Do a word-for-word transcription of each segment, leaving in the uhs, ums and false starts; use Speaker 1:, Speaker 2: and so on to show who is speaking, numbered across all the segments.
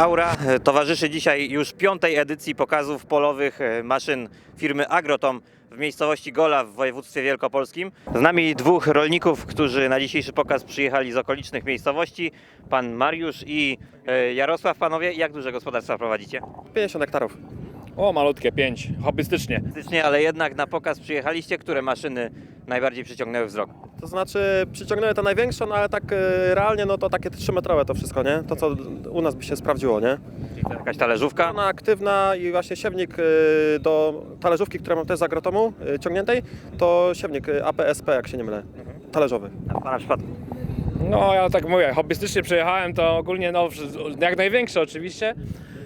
Speaker 1: Aura towarzyszy dzisiaj już piątej edycji pokazów polowych maszyn firmy Agrotom w miejscowości Gola w województwie wielkopolskim. Z nami dwóch rolników, którzy na dzisiejszy pokaz przyjechali z okolicznych miejscowości. Pan Mariusz i Jarosław. Panowie, jak duże gospodarstwa prowadzicie?
Speaker 2: pięćdziesiąt hektarów.
Speaker 3: O, malutkie, pięć, hobbystycznie.
Speaker 1: Faktycznie, ale jednak na pokaz przyjechaliście. Które maszyny najbardziej przyciągnęły wzrok?
Speaker 2: To znaczy przyciągnęły to największą, no ale tak e, realnie no to takie trzymetrowe to wszystko, nie? To co u nas by się sprawdziło, nie?
Speaker 1: Czyli to jakaś talerzówka?
Speaker 2: Ona aktywna i właśnie siewnik e, do talerzówki, którą mam też z Agrotomu e, ciągniętej, to siewnik e, A P S P, jak się nie mylę, talerzowy.
Speaker 1: A w pana przypadku?
Speaker 3: No, ja tak mówię, hobbystycznie przejechałem, to ogólnie no, jak największe oczywiście,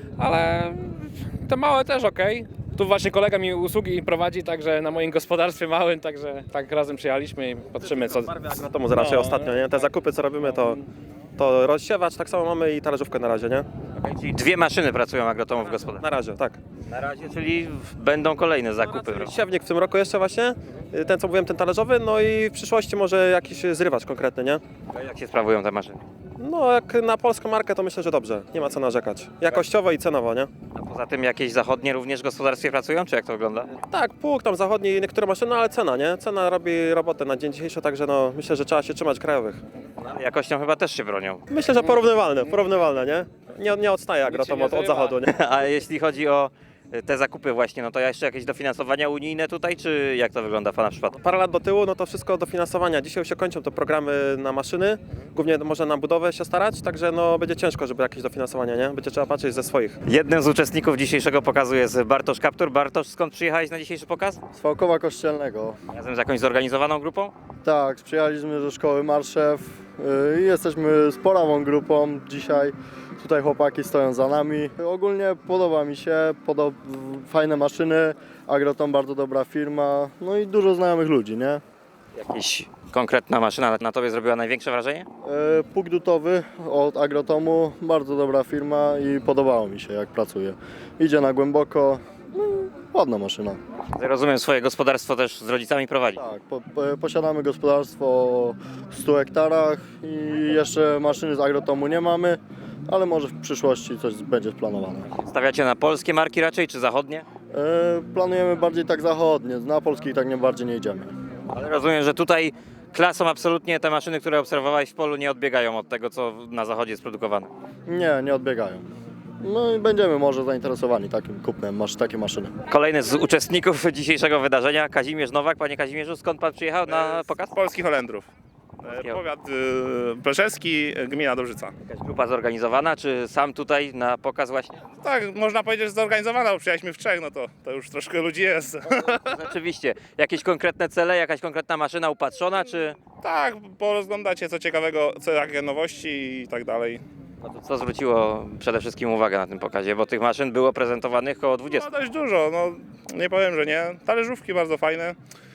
Speaker 3: ale te małe też ok. Tu właśnie kolega mi usługi prowadzi, także na moim gospodarstwie małym, także tak razem przyjechaliśmy i patrzymy co...
Speaker 2: Barwy Agrotomu raczej
Speaker 3: No,
Speaker 2: ostatnio, nie? Te zakupy co robimy to, to rozsiewacz, tak samo mamy i talerzówkę na razie, nie?
Speaker 1: Okay, czyli dwie maszyny pracują Agrotomu w gospodarstwie.
Speaker 2: Na razie, tak.
Speaker 1: Na razie, czyli będą kolejne zakupy.
Speaker 2: No, siewnik w tym roku jeszcze właśnie, e, ten co mówiłem, ten talerzowy, no i w przyszłości może jakiś zrywacz konkretny, nie?
Speaker 1: Jak się sprawują te maszyny?
Speaker 2: No jak na polską markę to myślę, że dobrze. Nie ma co narzekać. Jakościowo i cenowo, nie?
Speaker 1: A poza tym jakieś zachodnie również w gospodarstwie pracują, czy jak to wygląda?
Speaker 2: Tak, pług tam zachodni i niektóre maszyny, ale cena, nie? Cena robi robotę na dzień dzisiejszy, także no myślę, że trzeba się trzymać krajowych.
Speaker 1: No, ale jakością chyba też się bronią.
Speaker 2: Myślę, że porównywalne, porównywalne, nie? Nie, nie odstaje Agrotom
Speaker 3: nie
Speaker 2: od, od
Speaker 3: zrywa.
Speaker 2: zachodu, nie?
Speaker 1: A jeśli chodzi o te zakupy właśnie, no to jeszcze jakieś dofinansowania unijne tutaj, czy jak to wygląda w pana przypadku?
Speaker 2: Parę lat do tyłu, no to wszystko dofinansowania. Dzisiaj już się kończą te programy na maszyny, głównie może na budowę się starać, także no będzie ciężko, żeby jakieś dofinansowanie, nie? Będzie trzeba patrzeć ze swoich.
Speaker 1: Jednym z uczestników dzisiejszego pokazu jest Bartosz Kaptur. Bartosz, skąd przyjechałeś na dzisiejszy pokaz?
Speaker 4: Z Wałkowa Kościelnego.
Speaker 1: Razem z jakąś zorganizowaną grupą?
Speaker 4: Tak, przyjechaliśmy do szkoły Marszew i jesteśmy sporawą grupą dzisiaj. Tutaj chłopaki stoją za nami. Ogólnie podoba mi się, podob... fajne maszyny, Agrotom bardzo dobra firma, no i dużo znajomych ludzi, nie?
Speaker 1: Jakaś konkretna maszyna na tobie zrobiła największe wrażenie?
Speaker 4: E, Pług dutowy od Agrotomu, bardzo dobra firma i podobało mi się jak pracuje. Idzie na głęboko, no, ładna maszyna.
Speaker 1: Rozumiem, swoje gospodarstwo też z rodzicami prowadzi.
Speaker 4: Tak, po, po, posiadamy gospodarstwo o stu hektarach i jeszcze maszyny z Agrotomu nie mamy, ale może w przyszłości coś będzie planowane.
Speaker 1: Stawiacie na polskie marki raczej, czy zachodnie?
Speaker 4: E, planujemy bardziej tak zachodnie, na polskich tak nie bardziej nie idziemy.
Speaker 1: Ale rozumiem, że tutaj klasą absolutnie te maszyny, które obserwowałeś w polu, nie odbiegają od tego, co na zachodzie jest produkowane.
Speaker 4: Nie, nie odbiegają. No i będziemy może zainteresowani takim kupnem, masz takie maszyny.
Speaker 1: Kolejny z uczestników dzisiejszego wydarzenia, Kazimierz Nowak. Panie Kazimierzu, skąd pan przyjechał na pokaz?
Speaker 5: Z Polskich Holendrów.
Speaker 1: Polskiego.
Speaker 5: Powiat y, Pleszewski, gmina Dobrzyca.
Speaker 1: Jakaś grupa zorganizowana, czy sam tutaj na pokaz właśnie?
Speaker 5: Tak, można powiedzieć, że zorganizowana, bo przyjechaliśmy w trzech, no to, to już troszkę ludzi jest.
Speaker 1: Rzeczywiście. Jakieś konkretne cele, jakaś konkretna maszyna upatrzona, czy
Speaker 5: Tak, porozglądać się co ciekawego, co jakie nowości i tak dalej.
Speaker 1: no to co zwróciło przede wszystkim uwagę na tym pokazie? Bo tych maszyn było prezentowanych około
Speaker 5: No
Speaker 1: dwudziestu.
Speaker 5: dość dużo, no nie powiem, że nie. Talerzówki bardzo fajne.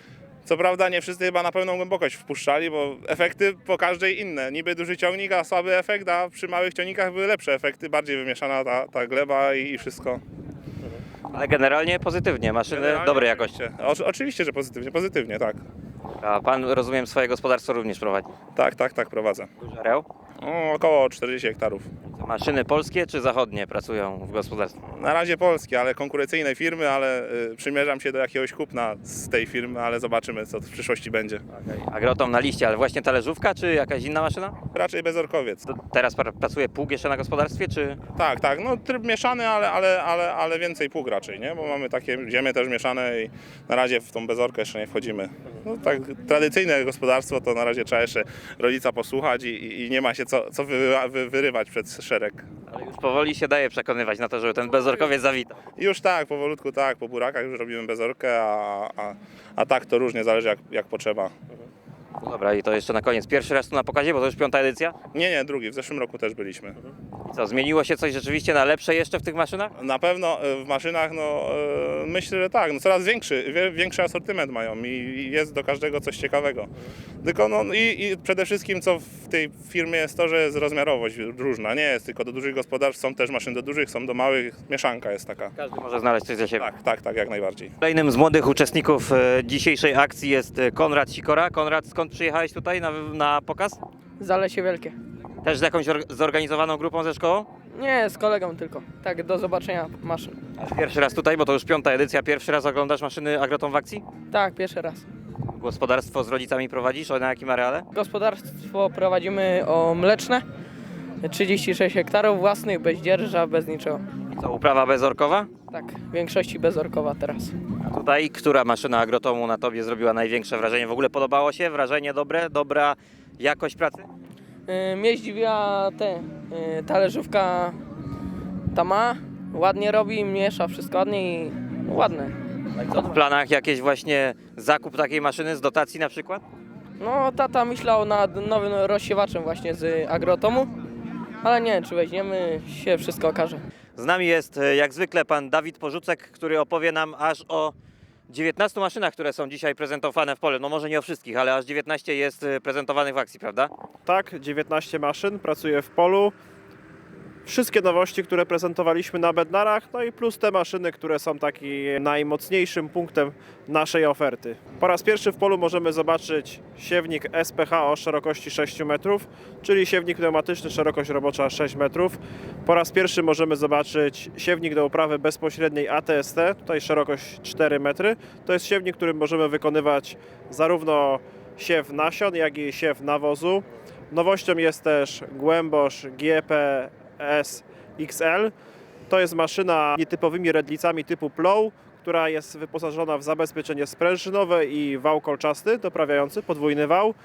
Speaker 5: Co prawda nie wszyscy chyba na pełną głębokość wpuszczali, bo efekty po każdej inne. Niby duży ciągnik, a słaby efekt, a przy małych ciągnikach były lepsze efekty, bardziej wymieszana ta, ta gleba i, i wszystko.
Speaker 1: Ale generalnie pozytywnie, maszyny
Speaker 5: Generalnie
Speaker 1: dobrej jakości.
Speaker 5: oczywiście. O, oczywiście, że pozytywnie, pozytywnie, tak.
Speaker 1: A pan, rozumiem, swoje gospodarstwo również prowadzi.
Speaker 5: Tak, tak, tak, prowadzę.
Speaker 1: Duży areał?
Speaker 5: O, około czterdziestu hektarów.
Speaker 1: Maszyny polskie czy zachodnie pracują w gospodarstwie?
Speaker 5: Na razie polskie, ale konkurencyjne firmy, ale y, przymierzam się do jakiegoś kupna z tej firmy, ale zobaczymy, co w przyszłości będzie.
Speaker 1: Agrotom na liście, ale właśnie talerzówka czy jakaś inna maszyna?
Speaker 5: Raczej bezorkowiec.
Speaker 1: To teraz pra- pracuje pług jeszcze na gospodarstwie, czy
Speaker 5: Tak, tak, no tryb mieszany, ale, ale, ale, ale więcej pług raczej, nie? Bo mamy takie ziemie też mieszane i na razie w tą bezorkę jeszcze nie wchodzimy. No tak, tradycyjne gospodarstwo to na razie trzeba jeszcze rodzica posłuchać i, i nie ma się co, co wy, wy, wyrywać przed szereg.
Speaker 1: ale już powoli się daje przekonywać na to, żeby ten bezorkowiec zawitał.
Speaker 5: Już tak, powolutku tak, po burakach już robimy bezorkę, a, a, a tak to różnie zależy jak, jak potrzeba.
Speaker 1: No dobra, i to jeszcze na koniec. Pierwszy raz tu na pokazie, bo to już piąta edycja.
Speaker 5: Nie, nie, drugi, w zeszłym roku też byliśmy.
Speaker 1: I co, zmieniło się coś rzeczywiście na lepsze jeszcze w tych maszynach?
Speaker 5: Na pewno e, w maszynach, no e, myślę, że tak, no coraz większy, wie, większy asortyment mają i i jest do każdego coś ciekawego. Tylko no i, i przede wszystkim co w tej firmie jest to, że jest rozmiarowość różna, nie jest tylko do dużych gospodarstw, są też maszyny do dużych, są do małych, mieszanka jest taka.
Speaker 1: Każdy może znaleźć coś dla siebie.
Speaker 5: Tak, tak, tak, jak najbardziej.
Speaker 1: Kolejnym z młodych uczestników e, dzisiejszej akcji jest e, Konrad Sikora. Konrad, skąd przyjechałeś tutaj na, na pokaz?
Speaker 6: Zalesie Wielkie.
Speaker 1: Też z jakąś or- zorganizowaną grupą ze szkołą?
Speaker 6: Nie, z kolegą tylko. Tak, do zobaczenia maszyn.
Speaker 1: Pierwszy raz tutaj, bo to już piąta edycja, pierwszy raz oglądasz maszyny Agrotom w akcji?
Speaker 6: Tak, pierwszy raz.
Speaker 1: Gospodarstwo z rodzicami prowadzisz? O, na jakim areale?
Speaker 6: Gospodarstwo prowadzimy o mleczne. trzydzieści sześć hektarów własnych, bez dzierża, bez niczego.
Speaker 1: I co, uprawa bezorkowa?
Speaker 6: Tak, w większości bezorkowa teraz.
Speaker 1: A tutaj, która maszyna Agrotomu na Tobie zrobiła największe wrażenie? W ogóle podobało się? Wrażenie dobre? Dobra jakość pracy?
Speaker 6: Yy, mnie zdziwiła te, yy, talerzówka ta ma, ładnie robi, miesza wszystko ładnie i ładne.
Speaker 1: Co w planach jakieś właśnie zakup takiej maszyny z dotacji na przykład?
Speaker 6: No, tata myślał nad nowym rozsiewaczem właśnie z Agrotomu, ale nie wiem, czy weźmiemy, się wszystko okaże.
Speaker 1: Z nami jest e, jak zwykle pan Dawid Porzucek, który opowie nam aż o dziewiętnastu maszynach, które są dzisiaj prezentowane w polu. No może nie o wszystkich, ale aż dziewiętnaście jest e, prezentowanych w akcji, prawda?
Speaker 2: Tak, dziewiętnaście maszyn, pracuje w polu. Wszystkie nowości, które prezentowaliśmy na Bednarach, no i plus te maszyny, które są takim najmocniejszym punktem naszej oferty. Po raz pierwszy w polu możemy zobaczyć siewnik S P H o szerokości sześć metrów, czyli siewnik pneumatyczny, szerokość robocza sześć metrów. Po raz pierwszy możemy zobaczyć siewnik do uprawy bezpośredniej A T S T, tutaj szerokość cztery metry. To jest siewnik, którym możemy wykonywać zarówno siew nasion, jak i siew nawozu. Nowością jest też głębosz G P S X L. To jest maszyna nietypowymi redlicami typu plow, która jest wyposażona w zabezpieczenie sprężynowe i wał kolczasty doprawiający podwójny wał.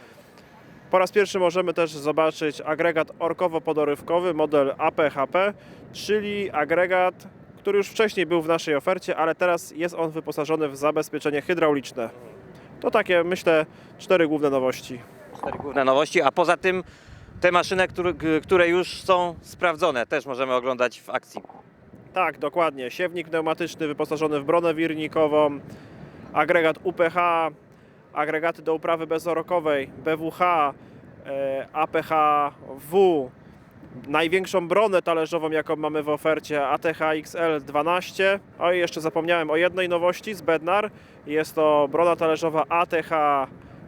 Speaker 2: Po raz pierwszy możemy też zobaczyć agregat orkowo-podorywkowy model A P H P, czyli agregat, który już wcześniej był w naszej ofercie, ale teraz jest on wyposażony w zabezpieczenie hydrauliczne. To takie, myślę, cztery główne nowości.
Speaker 1: Cztery główne nowości, a poza tym te maszyny, które, które już są sprawdzone, też możemy oglądać w akcji.
Speaker 2: Tak, dokładnie. Siewnik pneumatyczny wyposażony w bronę wirnikową, agregat U P H, agregaty do uprawy bezorokowej, B W H, e, A P H W, największą bronę talerzową, jaką mamy w ofercie, A T H X L dwanaście. O i jeszcze zapomniałem o jednej nowości z Bednar. Jest to brona talerzowa A T H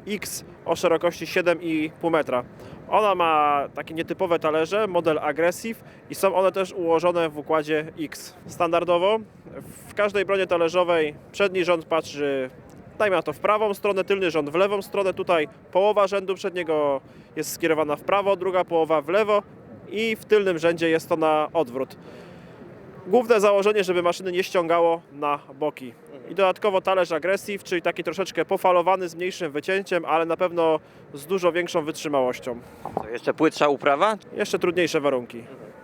Speaker 2: X o szerokości siedem i pół metra. Ona ma takie nietypowe talerze, model Aggressive i są one też ułożone w układzie X. Standardowo w każdej bronie talerzowej przedni rząd patrzy, dajmy na to, w prawą stronę, tylny rząd w lewą stronę. Tutaj połowa rzędu przedniego jest skierowana w prawo, druga połowa w lewo i w tylnym rzędzie jest to na odwrót. Główne założenie, żeby maszyny nie ściągało na boki. I dodatkowo talerz Aggressive, czyli taki troszeczkę pofalowany z mniejszym wycięciem, ale na pewno z dużo większą wytrzymałością.
Speaker 1: To jeszcze płytsza uprawa?
Speaker 2: Jeszcze trudniejsze warunki.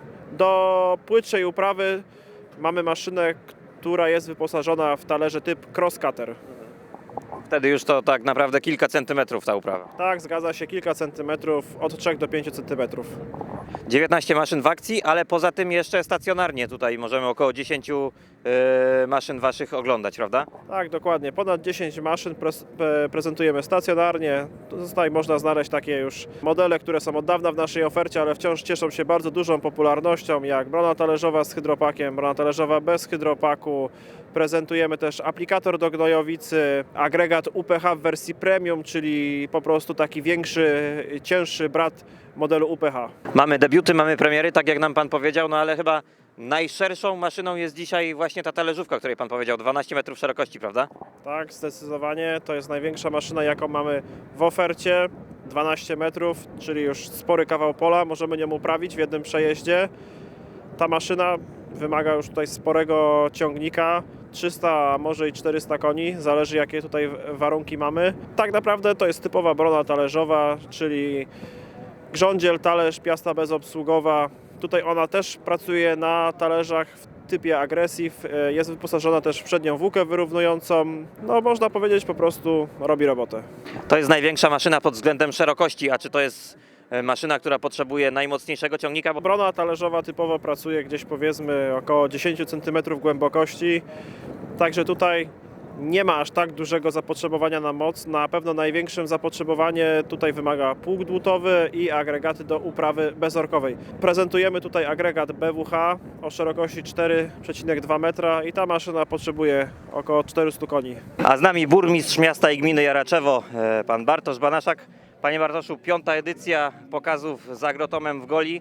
Speaker 2: Do płytszej uprawy mamy maszynę, która jest wyposażona w talerze typ cross cutter.
Speaker 1: Wtedy już to tak naprawdę kilka centymetrów ta uprawa.
Speaker 2: Tak, zgadza się, kilka centymetrów, od trzech do pięciu centymetrów.
Speaker 1: dziewiętnaście maszyn w akcji, ale poza tym jeszcze stacjonarnie tutaj możemy około dziesięć yy, maszyn waszych oglądać, prawda?
Speaker 2: Tak, dokładnie. Ponad dziesięć maszyn pre- pre- prezentujemy stacjonarnie. Tutaj można znaleźć takie już modele, które są od dawna w naszej ofercie, ale wciąż cieszą się bardzo dużą popularnością, jak brona talerzowa z hydropakiem, brona talerzowa bez hydropaku. Prezentujemy też aplikator do gnojowicy, agregat U P H w wersji premium, czyli po prostu taki większy, cięższy brat modelu U P H.
Speaker 1: Mamy debiuty, mamy premiery, tak jak nam pan powiedział, no ale chyba najszerszą maszyną jest dzisiaj właśnie ta talerzówka, o której pan powiedział, dwanaście metrów szerokości, prawda?
Speaker 2: Tak, zdecydowanie. To jest największa maszyna, jaką mamy w ofercie. dwanaście metrów, czyli już spory kawał pola. Możemy nią uprawić w jednym przejeździe. Ta maszyna wymaga już tutaj sporego ciągnika. trzysta, a może i czterysta koni, zależy jakie tutaj warunki mamy. Tak naprawdę to jest typowa brona talerzowa, czyli grządziel, talerz, piasta bezobsługowa. Tutaj ona też pracuje na talerzach w typie Aggressive, jest wyposażona też w przednią włókę wyrównującą. No można powiedzieć, po prostu robi robotę.
Speaker 1: To jest największa maszyna pod względem szerokości, a czy to jest e, maszyna, która potrzebuje najmocniejszego ciągnika? Bo
Speaker 2: Brona talerzowa typowo pracuje gdzieś powiedzmy około dziesięć centymetrów głębokości, także tutaj nie ma aż tak dużego zapotrzebowania na moc. Na pewno największym zapotrzebowanie tutaj wymaga pług dłutowy i agregaty do uprawy bezorkowej. Prezentujemy tutaj agregat B W H o szerokości cztery przecinek dwa metra i ta maszyna potrzebuje około czterystu koni.
Speaker 1: A z nami burmistrz miasta i gminy Jaraczewo, e, pan Bartosz Banaszak. Panie Bartoszu, piąta edycja pokazów z Agrotomem w Goli.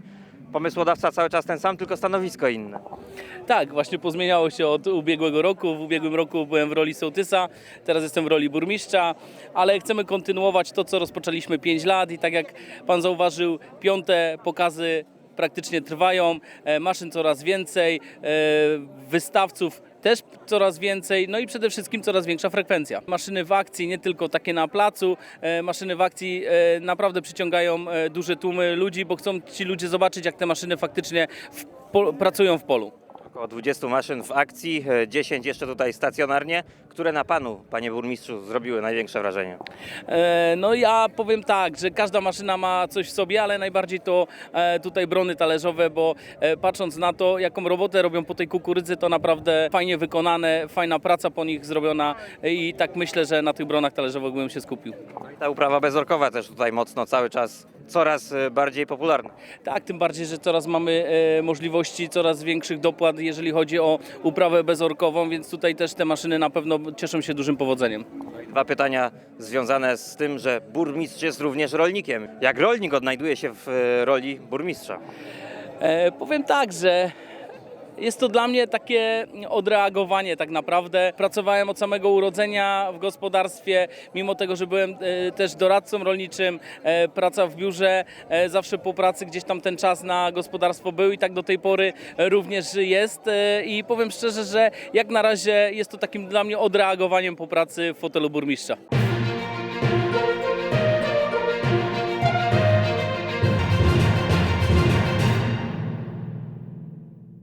Speaker 1: pomysłodawca cały czas ten sam, tylko stanowisko inne.
Speaker 7: Tak, właśnie pozmieniało się od ubiegłego roku. W ubiegłym roku byłem w roli sołtysa, teraz jestem w roli burmistrza, ale chcemy kontynuować to, co rozpoczęliśmy pięć lat i tak jak pan zauważył, piąte pokazy praktycznie trwają, e, maszyn coraz więcej, e, wystawców też coraz więcej, no i przede wszystkim coraz większa frekwencja. Maszyny w akcji, nie tylko takie na placu, e, maszyny w akcji e, naprawdę przyciągają e, duże tłumy ludzi, bo chcą ci ludzie zobaczyć, jak te maszyny faktycznie w po, pracują w polu.
Speaker 1: Około dwudziestu maszyn w akcji, e, dziesięć jeszcze tutaj stacjonarnie. Które na panu, panie burmistrzu, zrobiły największe wrażenie?
Speaker 7: E, No ja powiem tak, że każda maszyna ma coś w sobie, ale najbardziej to e, tutaj brony talerzowe, bo e, patrząc na to, jaką robotę robią po tej kukurydzy, to naprawdę fajnie wykonane, fajna praca po nich zrobiona i tak myślę, że na tych bronach talerzowych bym się skupił.
Speaker 1: No i ta uprawa bezorkowa też tutaj mocno cały czas coraz e, bardziej popularna.
Speaker 7: Tak, tym bardziej, że coraz mamy e, możliwości coraz większych dopłat, jeżeli chodzi o uprawę bezorkową, więc tutaj też te maszyny na pewno cieszą się dużym powodzeniem.
Speaker 1: Dwa pytania związane z tym, że burmistrz jest również rolnikiem. Jak rolnik odnajduje się w e, roli burmistrza?
Speaker 7: E, powiem tak, że jest to dla mnie takie odreagowanie tak naprawdę. Pracowałem od samego urodzenia w gospodarstwie, mimo tego, że byłem e, też doradcą rolniczym, e, praca w biurze, e, zawsze po pracy gdzieś tam ten czas na gospodarstwo był i tak do tej pory również jest. E, I powiem szczerze, że jak na razie jest to takim dla mnie odreagowaniem po pracy w fotelu burmistrza.